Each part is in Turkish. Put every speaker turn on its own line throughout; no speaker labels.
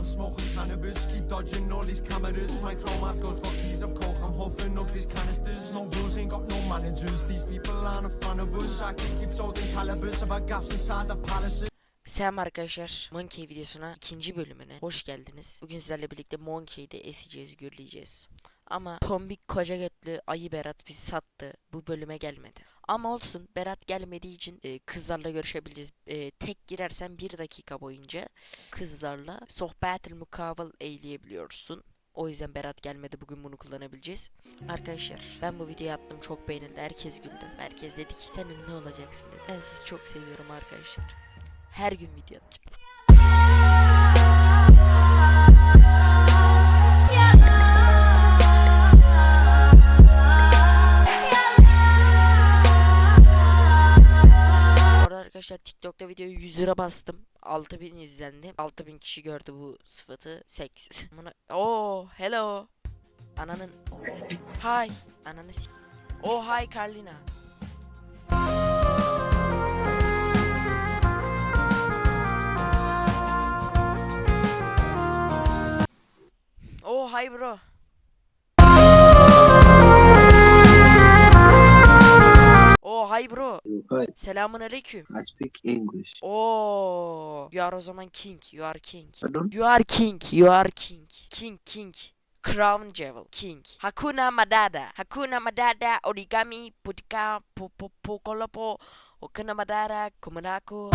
I'm smoking cannabis, keep dodging all these cameras. My chromas goes for keys of coke, I'm huffing up these canisters. No rules, ain't got no managers. These people aren't a fan of us. I can keep holding calibers of our gaps inside the palaces.
Selam arkadaşlar, Monkey videosuna ikinci bölümüne hoş geldiniz. Bugün sizlerle birlikte Monkey'de eseceğiz, gürleyeceğiz. Ama tombik koca götlü ayı Berat bizi sattı, bu bölüme gelmedi. Ama olsun, Berat gelmediği için kızlarla görüşebileceğiz. Tek girersen 1 dakika boyunca kızlarla sohbet-ül mukavvel eyleyebiliyorsun. O yüzden Berat gelmedi, bugün bunu kullanabileceğiz. Arkadaşlar ben bu videoyu attım, çok beğenildi, herkes güldü. Herkes dedi ki sen ünlü olacaksın dedi. Ben sizi çok seviyorum arkadaşlar. Her gün video atacağım. Orada arkadaşlar TikTok'ta videoyu 100 lira bastım. 6000 izlendi. 6000 kişi gördü bu sıfatı. Seks. Oh, hello. Ananın. Hi. Ananı s. Oh, hi Carlina. Oh, hi bro. Oh, hi bro.
Hi,
Selamun aleyküm.
I speak English.
Oh, you are o zaman king. You are king.
Pardon?
You are king. You are king. King. Crown Jewel. King. Hakuna Matata. Hakuna Matata. Origami. Putika. Pokolopo. Hakuna Matata. Kumanako.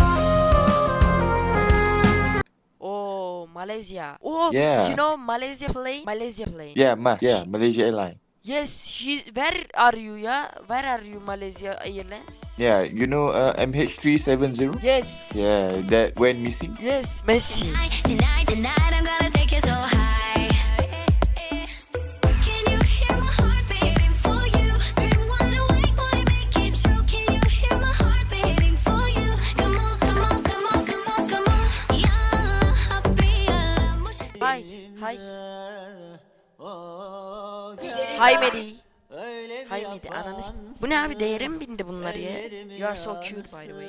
Oh, Malaysia. Oh,
Yeah.
you know Malaysia plane? Malaysia plane.
Yeah, Malaysia Airlines.
Yes, where are you, yeah? Where are you, Malaysia Airlines?
Yeah, you know MH370?
Yes.
Yeah, that went missing.
Yes, Messi.
Tonight, I'm gonna take you so high. Can you hear my heart beating for you? Drink wide awake, boy, make it true. Can you hear my heart beating for you? Come on. Yeah,
Hi. Hi Medi. Hi Medi, ananı s- Bu ne abi, değere mi bindi bunlar ya? You are so cute by the way.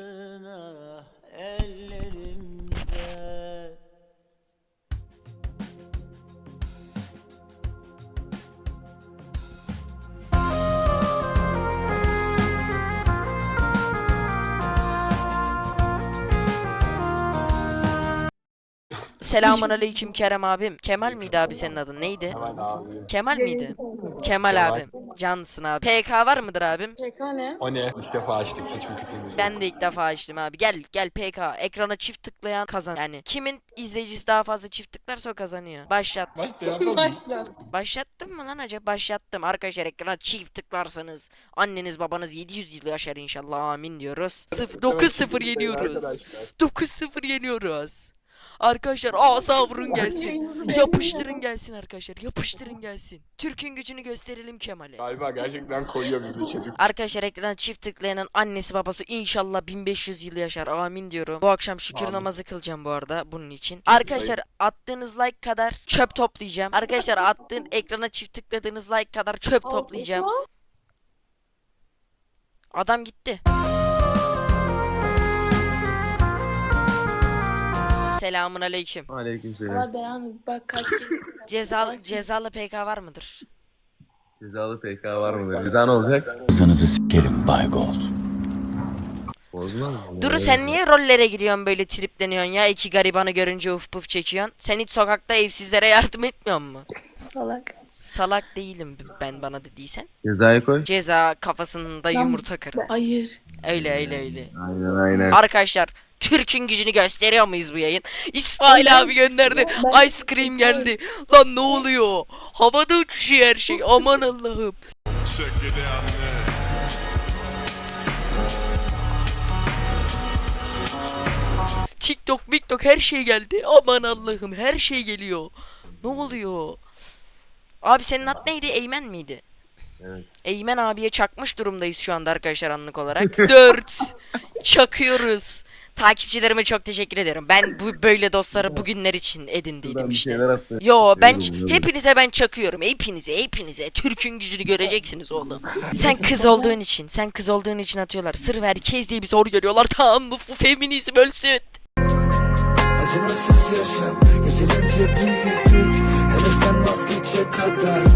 Selamun aleyküm Kerem abim. Kemal miydi abi senin adın? Neydi?
Hemen abi.
Kemal miydi? Kemal abim. Cansın abi. PK var mıdır abim?
PK ne?
O ne? İlk defa açtık. Hiçbir fikrimiz yok.
Ben de ilk defa açtım abi. Gel PK. Ekrana çift tıklayan kazan. Yani kimin izleyicisi daha fazla çift tıklarsa o kazanıyor. Başlat.
Başla.
Başlattım mı lan acaba? Başlattım. Arkadaşlar ekrana çift tıklarsanız anneniz babanız 700 yıl yaşar inşallah, amin diyoruz. 9-0 yeniyoruz. 9-0 yeniyoruz. Arkadaşlar asa vurun gelsin. Yapıştırın gelsin arkadaşlar. Yapıştırın gelsin. Türk'ün gücünü gösterelim Kemal'e.
Galiba gerçekten koyuyor bizi çocuk.
Arkadaşlar ekrana çift tıklayanın annesi babası inşallah 1500 yıl yaşar, amin diyorum. Bu akşam şükür
Amin.
namazı kılacağım bu arada bunun için. Arkadaşlar attığınız like kadar çöp toplayacağım. Arkadaşlar ekrana çift tıkladığınız like kadar çöp toplayacağım. Adam gitti. Selamun aleyküm.
Aleykümselam.
Allah belanı bak kaç kere.
Cezalı PK var mıdır?
Cezalı PK var mıdır? Bize ne olacak?
Kızınızı sikerim Baygol.
Bozmaz mı?
Duru, sen niye rollere giriyorsun böyle, tripleniyorsun ya? İki garibanı görünce uf puf çekiyorsun. Sen hiç sokakta evsizlere yardım etmiyor musun?
Salak.
Salak değilim ben, bana dediysen.
Cezayı koy.
Ceza kafasında yumurta kırın.
Hayır.
Öyle.
Aynen.
Arkadaşlar Türk'ün gücünü gösteriyor muyuz bu yayın? İsmail abi gönderdi. Ice cream geldi. Lan ne oluyor? Havada uçuşuyor her şey. Aman Allah'ım. TikTok her şey geldi. Aman Allah'ım, her şey geliyor. Ne oluyor? Abi senin ad neydi? Eymen miydi?
Evet.
Eymen abiye çakmış durumdayız şu anda arkadaşlar, anlık olarak. 4 çakıyoruz. Takipçilerime çok teşekkür ederim. Ben böyle dostları bugünler için edindiydim işte. Yo ben hepinize ben çakıyorum. Hepinize. Türk'ün gücünü göreceksiniz oğlum. Sen kız olduğun için atıyorlar. Sırf herkes diye bir soru görüyorlar. Tamam mı? Feminizm ölsün.
Acımasız yaşam,
Gelince büyüdük, hele sen vazgeçe kadar